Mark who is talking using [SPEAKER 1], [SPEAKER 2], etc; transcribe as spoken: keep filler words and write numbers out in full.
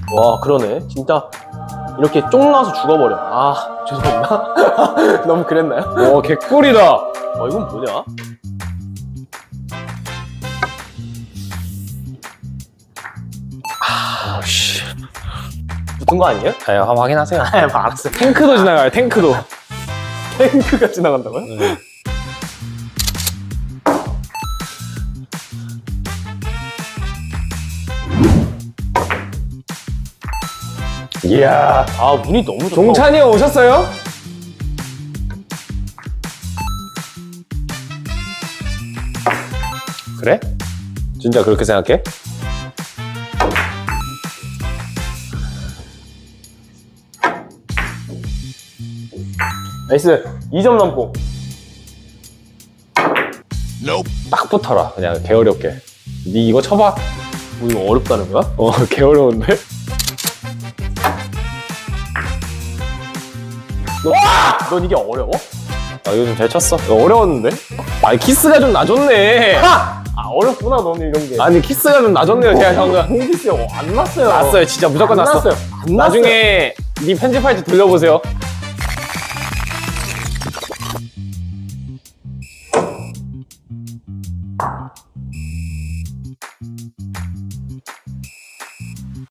[SPEAKER 1] 와 그러네 진짜 이렇게 쫑 나서 죽어버려. 아 죄송합니다. 너무 그랬나요?
[SPEAKER 2] 와 개꿀이다.
[SPEAKER 1] 어 이건 뭐냐?
[SPEAKER 2] 아씨.
[SPEAKER 1] 붙은 거 아니에요?
[SPEAKER 2] 아 한번 확인하세요.
[SPEAKER 1] 아 알았어요.
[SPEAKER 2] 탱크도 지나가요. 탱크도.
[SPEAKER 1] 탱크가 지나간다고요?
[SPEAKER 2] 네. 이야.
[SPEAKER 1] 아 문이 너무 좋다.
[SPEAKER 2] 종찬이 형 오셨어요? 그래? 진짜 그렇게 생각해?
[SPEAKER 1] 나이스 이 점 넘고.
[SPEAKER 2] 딱 붙어라. 그냥 개어렵게. 니 이거 쳐봐.
[SPEAKER 1] 뭐 이거 어렵다는 거야?
[SPEAKER 2] 어 개어려운데?
[SPEAKER 1] 넌 이게 어려워?
[SPEAKER 2] 아 이거 좀 잘 쳤어. 이거 어려웠는데? 아니 키스가 좀 나줬네.
[SPEAKER 1] 아 어렵구나 너는 이런 게.
[SPEAKER 2] 아니 키스가 좀 나줬네요 제가 형은.
[SPEAKER 1] 홍기스 안 났어요.
[SPEAKER 2] 났어요 진짜 무조건
[SPEAKER 1] 안
[SPEAKER 2] 났어.
[SPEAKER 1] 났어요. 안 났어요.
[SPEAKER 2] 나중에 니 편집할 때 돌려보세요.